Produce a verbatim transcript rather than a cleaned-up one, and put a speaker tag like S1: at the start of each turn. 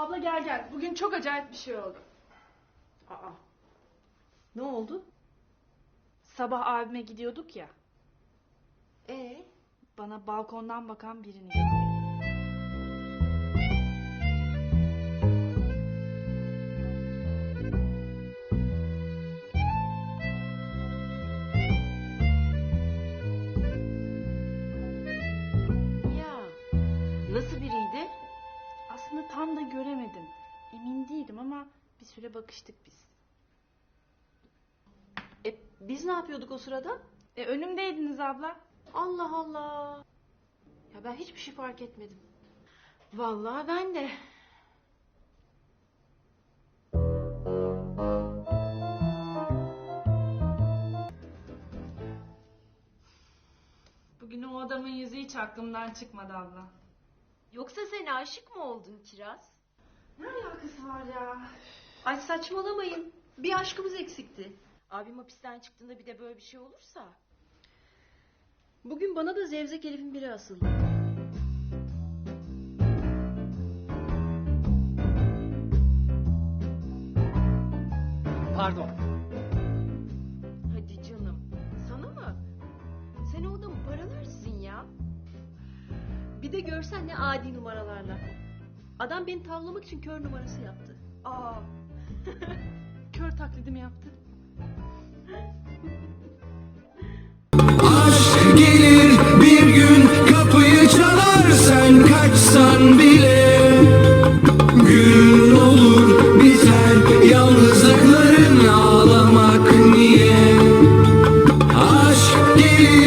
S1: Abla gel gel. Bugün çok acayip bir şey oldu.
S2: Aa. Ne oldu?
S1: Sabah abime gidiyorduk ya.
S2: Ee?
S1: Bana balkondan bakan birini gördüm.
S2: Ya. Nasıl biriydi?
S1: Aslında tam da göremedim. Emin değilim ama bir süre bakıştık biz.
S2: E, biz ne yapıyorduk o sırada?
S1: E önümdeydiniz abla.
S2: Allah Allah. Ya ben hiçbir şey fark etmedim. Vallahi ben de.
S1: Bugün o adamın yüzü hiç aklımdan çıkmadı abla.
S2: Yoksa sen aşık mı oldun Kiraz?
S1: Ne alakası var ya?
S2: Ay saçmalamayın. Bir aşkımız eksikti. Abim hapisten çıktığında bir de böyle bir şey olursa. Bugün bana da Zevzek Elif'in biri asıldı.
S3: Pardon.
S2: Hadi canım. Sana mı? Sen o adamı paralarsın ya. Bir de görsen ne adi numaralarla. Adam beni tavlamak için kör numarası yaptı.
S1: Aa. Kör taklidimi yaptı.
S4: Aşk gelir bir gün kapıyı çalar, sen kaçsan bile. Gün olur biter yalnızlıkların, ağlamak niye? Aşk gelir